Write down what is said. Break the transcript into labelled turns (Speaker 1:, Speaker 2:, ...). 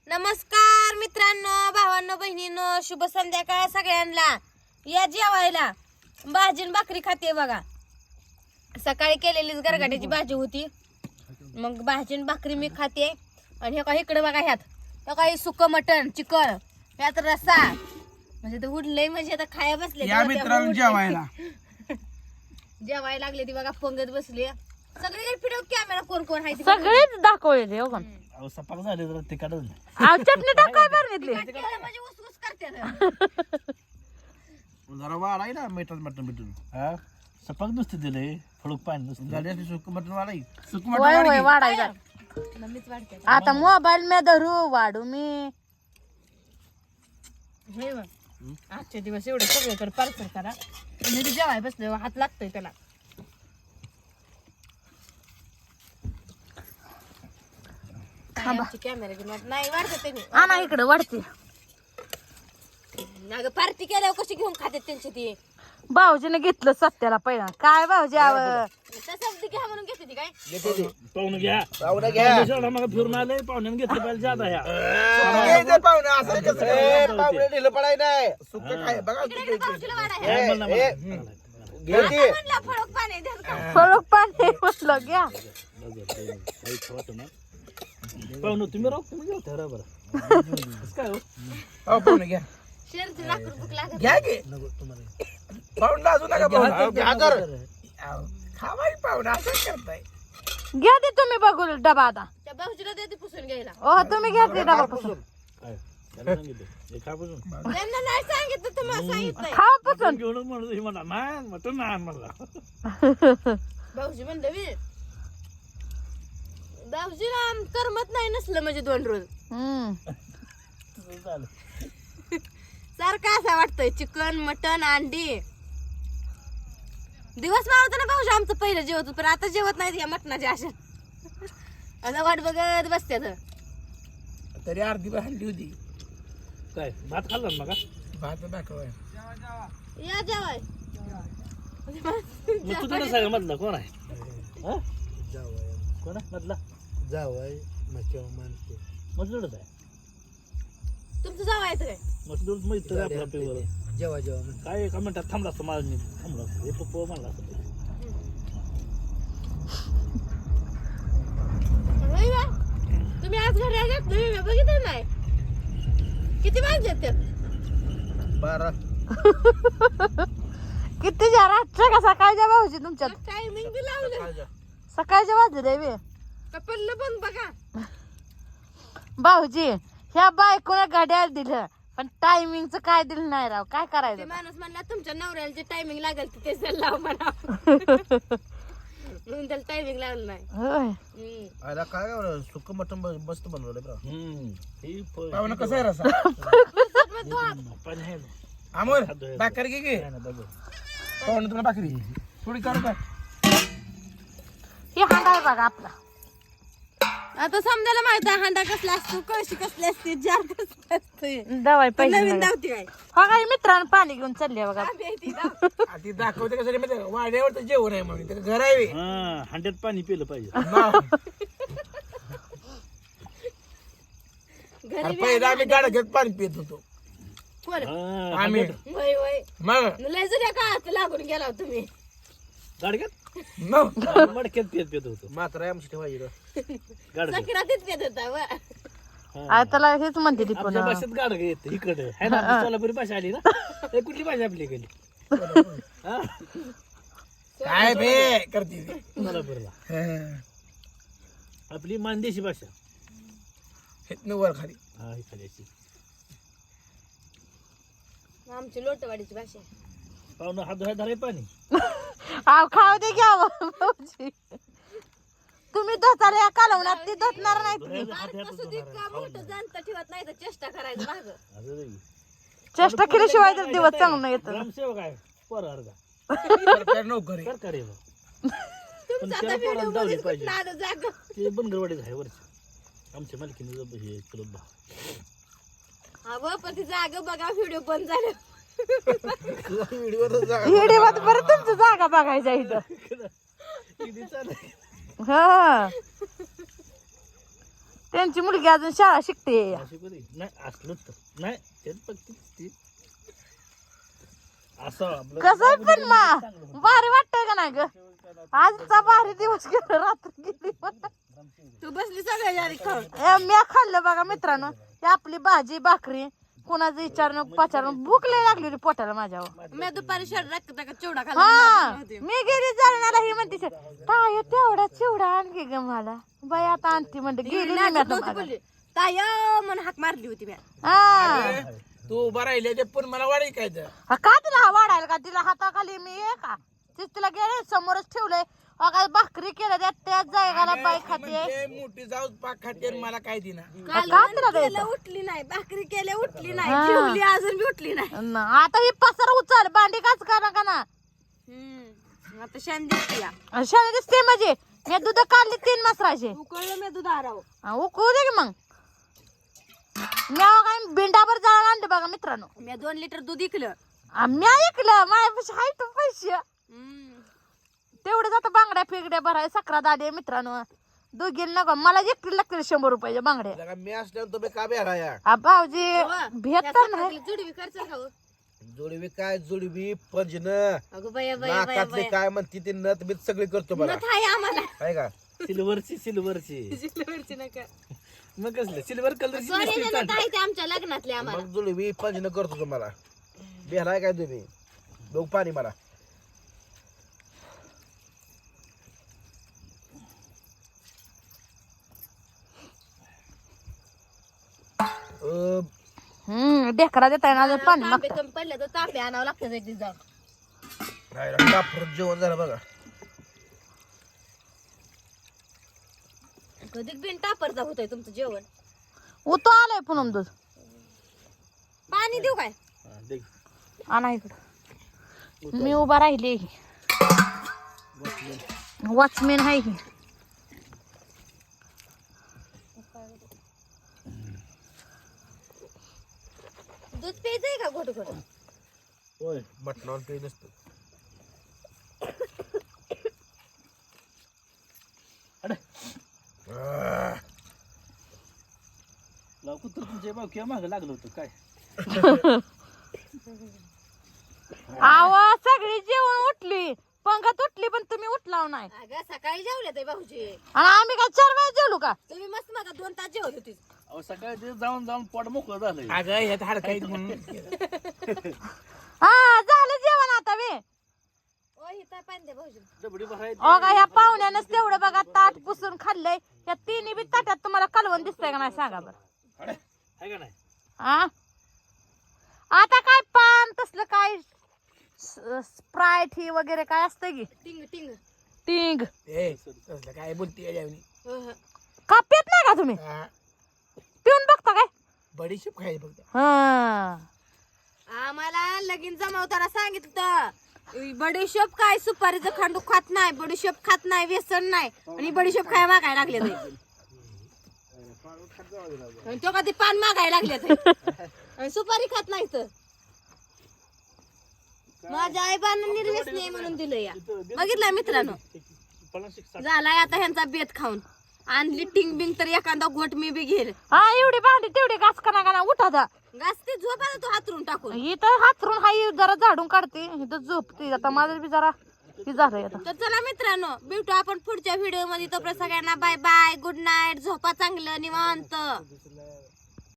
Speaker 1: नमस्कार मित्रांनो, भावांनो, बहिणींनो, शुभ संध्याकाळ सगळ्यांना. या जेवायला भाजीन भाकरी खाते बघा. सकाळी केलेलीच गरगाट्याची भाजी होती, मग भाजीन भाकरी मी खाते. आणि हे काय इकडे बघा, ह्यात काही सुकं मटण, चिकन, ह्यात रस्सा, म्हणजे ते उडलंय, म्हणजे आता खाया बसले
Speaker 2: जेवायला
Speaker 1: जेवायला लागले ती बघा, पंगत बसली. सगळे फिरव कॅमेरा कोण कोण आहे
Speaker 3: सगळेच दाखवले हो का.
Speaker 2: सपाक झाले तर ते काढून
Speaker 3: चटणी टाकाय बरं
Speaker 1: म्हणजे उसकूस करते.
Speaker 2: जरा वाढाय ना मटण मटण भेटून हा सपाक नुसते दिले फळूक पाणी नुसतं गाडी सुक मटण वाढाय सुक
Speaker 3: होय होय वाढायचा.
Speaker 1: मीच वाढते
Speaker 3: आता मोबाईल में धरू वाढू मी.
Speaker 1: हे बघ, आजचे दिवस एवढे सगळीकडे पार्सल करा. मी बी जेवाय बसले, हात लागतोय त्याला. कॅमेरा नाही वाढते त्यांनी.
Speaker 3: आणा इकडे वाढते.
Speaker 1: अगं पार्टी केल्यावर कशी घेऊन खाते त्यांची ती.
Speaker 3: भाऊजीने घेतलं सत्याला पहिला. काय भाऊजी
Speaker 1: तसं घ्या म्हणून घेते ती काय.
Speaker 2: पाहुणं घ्या पाहुणं घ्या मग फिरून आले पाहुण्यानं घेतलं पाहिजे जात ह्या पाहुणं असं पाहुणे ढिलं पडाय नाही सुक खाय बघा
Speaker 1: फळक पाणी द्या.
Speaker 3: फळक पाणी म्हटलं घ्या.
Speaker 2: पाहुणं तुम्ही राहू तुम्ही घेऊ त्या बरं काय हो पाहुणं घ्या
Speaker 1: शेरची लाकूड भूक लागत.
Speaker 2: घ्या की पाहुणला अजून नका खावाय पाहुणा असं करताय.
Speaker 3: घ्या ते तुम्ही बघू डबा आता.
Speaker 1: त्या भाऊजीला देते पुसून घ्यायला.
Speaker 3: ओ तुम्ही घ्या ते डबा पासून.
Speaker 1: त्यांना नाही सांगितलं, तुम्हाला सांगितलंय.
Speaker 3: खा पासून
Speaker 2: घेऊन म्हणलं नाही मटण नाही म्हणला
Speaker 1: भाऊजी म्हणलं मी भाऊजीला करमत नाही नसलं म्हणजे 2 रोज सारखं असं वाटतंय. चिकन मटन अंडी दिवस मावत ना भाऊजी आमचं पहिलं जेवत होतं, पण आता जेवत नाही या मटणाच्या अशा. आता वाट बघत बसत्यात.
Speaker 2: तरी अर्धी हल्ली होती काय भात खाल्ला मग भात दाखवाय
Speaker 1: या जेवाय.
Speaker 2: तू तुला सांग मधला कोण आहे कोण आहे मधला जावाय माणसे मजलूडच आहे
Speaker 1: तुमचं जावायचं काय
Speaker 2: मजलूड माहित आपल्या पेवर जेवा जेवा काय एका मिनिटात थांबला असतं माझं मी थांबला असतं हे पप्पा म्हणला असतं
Speaker 1: तुम्ही आज घरी आलात तुम्ही बघितलं नाही किती वाजले ते
Speaker 2: 12
Speaker 3: किती रात्र का सकाळच्या भाऊजी तुमच्यात
Speaker 1: टायमिंग बी लावलं.
Speaker 3: सकाळच्या वाजले देवी
Speaker 1: कपडलं पण बघा
Speaker 3: भाऊजी. ह्या बायकोला घड्याळ दिलं पण टायमिंगचं काय दिलं नाही राव. काय
Speaker 1: ते
Speaker 3: करायचं.
Speaker 1: माणूस म्हणला तुमच्या नवऱ्याला जे टायमिंग लागेल ते तेच लाव म्हणा. म्हणून त्याला टायमिंग लावलं नाही.
Speaker 3: होय
Speaker 2: आला काय सुक मटण मस्त बनवलं बरं कसं आहे रसा अमोल भाकर घे गे पाहुणं तुला भाकरी थोडी काढू का
Speaker 3: हे हांडा आहे बघा आपला.
Speaker 1: आता समजायला माहित आहे हांडा कसला असतो, कळशी कसली असते, जार कसला असते.
Speaker 3: दवाई पाहिजे
Speaker 1: नवीन धावती काय
Speaker 3: हा काही मित्रांनो पाणी घेऊन चालले बघा.
Speaker 2: ती दाखवते कसं वाड्यावर तर जेवण आहे म्हणून त्याचं घर आहे हांड्यात पाणी पिलं पाहिजे पहिला आम्ही गाडा घेत पाणी पित होतो आम्ही
Speaker 1: वय वय
Speaker 2: मग
Speaker 1: लय जुन्या काळात लागून गेला हो तुम्ही.
Speaker 2: गाडग्यात मडक्यात पित होतो मात्र आमची ठेवायची
Speaker 1: सकिरातीच पेत होता व.
Speaker 3: त्याला हेच म्हणते ती पण
Speaker 2: भाषेत गाडग येत इकडे आहे ना सोलापुरी भाषा आली ना कुठली भाषा आपली गेली काय बे करते सोलापूरला आपली मानदेशी भाषा वर खाली हा खाली
Speaker 1: आमची लोटवाडीची भाषा.
Speaker 2: पाहुणं हात धुवाय धराय पाणी
Speaker 3: खाऊ दे घ्या भाऊजी. तुम्ही धोताला या कालवणात ती धोतणार नाही तुम्ही.
Speaker 1: मोठं जाणता ठेवत नाही तर चेष्टा करायचं मागं.
Speaker 3: चेष्टा केल्याशिवाय तर दिवस चांगलं येतं.
Speaker 2: ग्रामसेवक आहे सरकार नोकरी सरकारी
Speaker 1: तुमचा आता व्हिडिओ मध्ये कुठलं आलं जागं.
Speaker 2: ते बनगरवाडीच आहे वरची आमच्या मालकीने हे क्लब
Speaker 1: अगं पण ती जागा बघा व्हिडिओ बंद झालं.
Speaker 3: व्हिडिओ बरं तुमचं जागा बघायच्या इथं. हा त्यांची मुलगी अजून शाळा शिकते.
Speaker 2: अशी कधी नाही असलंच तर नाही तेच बघते ती. असं आपलं
Speaker 3: कसं पण भारी वाटतंय का नाही ग? आजचा भारी दिवस गेला, रात्र गेली.
Speaker 1: तू बसली सगळ्या आधी खाऊन.
Speaker 3: मी खाल्लं बघा मित्रांनो, ही आपली भाजी भाकरी, कोणाचं विचारणं पाचारणं, भूक लय लागली होती पोटाला माझ्यावर.
Speaker 1: मी दुपारी शरीरात चिवडा
Speaker 3: हा
Speaker 1: खाल्ला.
Speaker 3: मी गेली जळणाला, ही म्हणते ताय तेवढा चिवडा आणखी ग मला. बाई आता आणती म्हणते, गेली नाही मी आता मागं.
Speaker 1: ताय म्हणून हाक मारली होती मी.
Speaker 3: हा
Speaker 2: तू उभा राहिले ते पण मला वाढी काय तर
Speaker 3: का तिला हा वाढायला का? तिला हाताखाली मी आहे का? तीच तिला गेले समोरच ठेवलंय. अगं भाकरी केलं त्याच जायगाला बाई खाते.
Speaker 2: मोठी जाऊ पाक खाते मला काय दिना
Speaker 1: काल
Speaker 3: का तिला
Speaker 1: केलं
Speaker 3: द्यायचं?
Speaker 1: उठली नाही, भाकरी केल्या उठली नाही,
Speaker 3: हा.
Speaker 1: जेवली अजून बी उठली नाही.
Speaker 3: आता ही पसर उचल, भांडी काच करा का ना?
Speaker 1: आता शान दिसते या.
Speaker 3: शाळा दिसते म्हणजे मी दूध काढली 3 मसराचे.
Speaker 1: उकळलं मी दूध आराव.
Speaker 3: उकळू दे की मग. मी काय बिंडाभर जाळून आणले बघा मित्रांनो.
Speaker 1: मी 2 लिटर दूध इकलं.
Speaker 3: मी ऐकलं माझ्यापाशी आहे तो पैसे तेवढे जातं बांगड्या फिगड्या भराय, सकरा दादे मित्रांनो. दोघी नको मला, एकटी लागतील 100 रुपयाच्या बांगड्या.
Speaker 2: मी असल्यावर तुम्ही का बेहराया
Speaker 3: भाऊजी भेट तर नाही.
Speaker 1: जुडवी करचं खाऊ.
Speaker 2: जोडवी काय जोडवी पंजन
Speaker 1: अगं बाया बाया बाया
Speaker 2: नाकातले काय म्हणते ते नथ बीत सगळी करतो मला
Speaker 1: नथ आहे आम्हाला.
Speaker 2: आहे का सिल्वरची
Speaker 1: जिल्ह्यावरची नका.
Speaker 2: मग कसलं सिल्वर कलरची
Speaker 1: सोन्याच्या नथ आहे ते आमच्या लग्नातले आम्हाला.
Speaker 2: मग जोडवी पंजन करतो तुम्हाला. बेहराय काय तुम्ही बघ पाणी मला.
Speaker 3: ढेकरा देताय ना अजून पाणी
Speaker 1: तांबे कमी पडले तर तांबे आणावं लागतं एक दिवस जाऊन.
Speaker 2: जेवण झालं बघा.
Speaker 1: कधी बिन टापरचा होतंय तुमचं जेवण.
Speaker 3: उतो आलंय पुनम दूध.
Speaker 1: पाणी देऊ काय?
Speaker 3: आणा इकडं. मी उभा राहिले, वॉचमॅन आहे की.
Speaker 1: दूध प्यायचंय का घोट घोट?
Speaker 2: होय मटणावर काही नसतं. कुत्र तुमच्या भाऊ किंवा मागं लागलं होतं काय?
Speaker 3: आवाज सगळी जेवण उठली, पंगत उठली, पण तुम्ही उठलाव नाही.
Speaker 1: अगं सकाळी जेवले ते भाऊजी.
Speaker 3: आणि आम्ही काय 4 वेळा जेवलो का?
Speaker 1: तुम्ही मस्त मग 2 तास जेवत होती.
Speaker 2: अहो सकाळी ते जाऊन जाऊन पोट मोकळं झालं. अगं ह्यात हाड काही
Speaker 3: हा झालं जेवण आता वे.
Speaker 1: ओ हिता पाणी दे भाऊजी.
Speaker 2: डबडी भरायची.
Speaker 3: अगं ह्या पाहुण्यानंच तेवढं बघा ताट पुसून खाल्लंय. या 3 बी ताटात तुम्हाला कालवण दिसतंय का नाही सांगा बरं.
Speaker 2: आहे का नाही?
Speaker 3: आ आता काय पान तसलं काय स्प्राईट ही वगैरे काय असतं की
Speaker 1: टिंग टिंग.
Speaker 3: टिंग
Speaker 2: ए तसलं काय बोलते याच्यावनी.
Speaker 3: का पित नाही का तुम्ही? पिऊन बघता काय?
Speaker 2: बडीशेप खायची फक्त.
Speaker 3: हा
Speaker 1: आम्हाला लगीन जमावताना सांगितलं बडीशेप काय सुपारीचं खांडू खात नाही, बडीशेप खात नाही, व्यसन नाही, आणि बडीशेप काय मागायला लागले ते. आणि तो कधी पान मागायला लागले ते. आणि सुपारी खात नाही तर. माझ्या आईबानं निर्व्यसनी म्हणून दिलं या. बघितलं मित्रांनो, झालाय आता ह्यांचा बेत खाऊन. आणली टिंग बिंग तर एखादा घोट मी बी घेईल.
Speaker 3: हा एवढी भांडी तेवढी घास कना उठा दा.
Speaker 1: घास ते झोपा तो हातरून टाकून.
Speaker 3: इथं हातरून हाई जरा झाडून काढते, इथं झोपते. आता माझं बी जरा हे झालंय आता.
Speaker 1: तर चला मित्रांनो, भेटू आपण पुढच्या व्हिडिओ मध्ये. तोपर्यंत सगळ्यांना बाय बाय, गुड नाईट, झोपा चांगलं निवांत.